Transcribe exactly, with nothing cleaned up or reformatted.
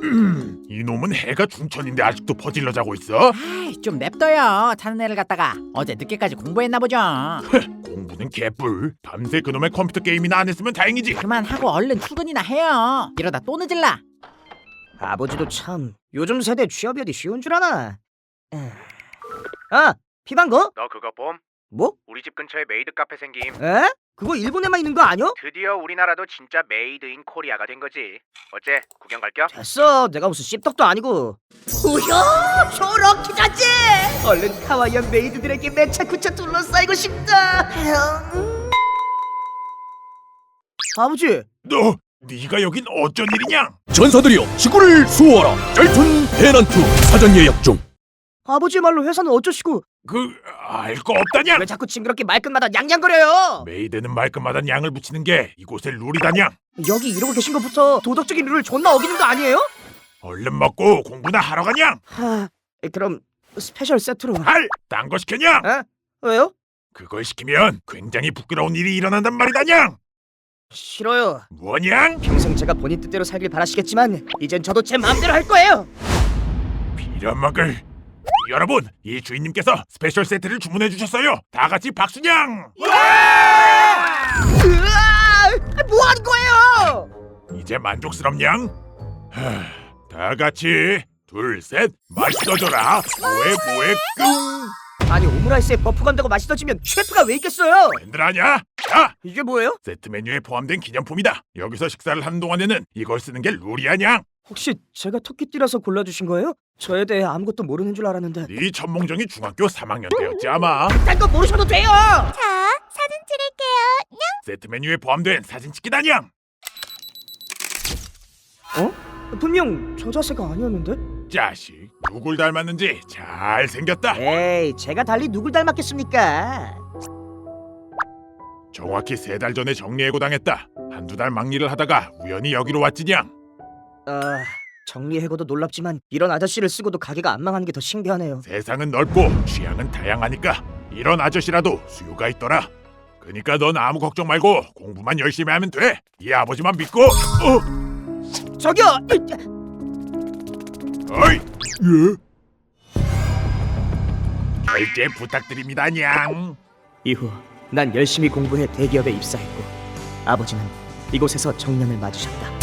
이놈은 해가 중천인데 아직도 퍼질러 자고 있어? 아이, 좀 냅둬요. 자는 애를 갖다가 어제 늦게까지 공부했나 보죠. 공부는 개뿔. 밤새 그놈의 컴퓨터 게임이나 안 했으면 다행이지. 그만하고 얼른 출근이나 해요. 이러다 또 늦을라. 아버지도 참 요즘 세대 취업이 어디 쉬운 줄 아나. 아, 피방거? 너 그거 봄? 뭐? 우리 집 근처에 메이드 카페 생김. 에? 그거 일본에만 있는 거 아니야? 드디어 우리나라도 진짜 메이드 인 코리아가 된 거지. 어째 구경 갈겨? 됐어, 내가 무슨 씹덕도 아니고. 우효, 저렇게 자지. 얼른 카와이한 메이드들에게 매차쿠차 둘러싸이고 싶다. 아버지, 너 네가 여긴 어쩐 일이냐? 전사들이여 지구를 수호하라. 짤툰 대난투 사전 예약 중. 아버지 말로 회사는 어쩌시고 그 알 거 없다냐? 왜 자꾸 징그럽게 말끝마다 냥냥거려요? 메이드는 말끝마다 양을 붙이는 게 이곳의 룰이다냐? 여기 이러고 계신 것부터 도덕적인 룰을 존나 어기는 거 아니에요? 얼른 먹고 공부나 하러 가냐? 하, 그럼 스페셜 세트로. 할! 딴 거 시켰냐? 에? 왜요? 그걸 시키면 굉장히 부끄러운 일이 일어난단 말이다냐? 싫어요. 뭐냐? 평생 제가 본인 뜻대로 살길 바라시겠지만 이젠 저도 제 마음대로 할 거예요. 빌어먹을. 여러분, 이 주인님께서 스페셜 세트를 주문해 주셨어요. 다 같이 박수냥! 으아! 뭐 하는 거예요? 이제 만족스럽냥? 하, 다 같이 둘, 셋, 맛있어져라. 뭐해 뭐해 끙! 아니 오므라이스에 버프 간다고 맛있어지면 셰프가 왜 있겠어요? 밴들 아냐? 자, 이게 뭐예요? 세트 메뉴에 포함된 기념품이다. 여기서 식사를 하는 동안에는 이걸 쓰는 게 룰이야냥. 혹시 제가 토끼띠라서 골라주신 거예요? 저에 대해 아무것도 모르는 줄 알았는데. 네 천몽정이 중학교 삼 학년 때였지 아마. 딴 거 모르셔도 돼요. 자, 사진 찍을게요. 세트 메뉴에 포함된 사진 찍기다냥. 어? 분명 저 자세가 아니었는데? 자식, 누굴 닮았는지 잘 생겼다. 에이, 제가 달리 누굴 닮았겠습니까? 정확히 세 달 전에 정리해고 당했다. 한두 달 막일을 하다가 우연히 여기로 왔지냥. 아, 정리해고도 놀랍지만 이런 아저씨를 쓰고도 가게가 안 망하는 게 더 신기하네요. 세상은 넓고 취향은 다양하니까 이런 아저씨라도 수요가 있더라. 그니까 넌 아무 걱정 말고 공부만 열심히 하면 돼. 이 아버지만 믿고. 어? 저기요! 어이! 예? 결제 부탁드립니다, 냥. 이후 난 열심히 공부해 대기업에 입사했고 아버지는 이곳에서 정년을 맞으셨다.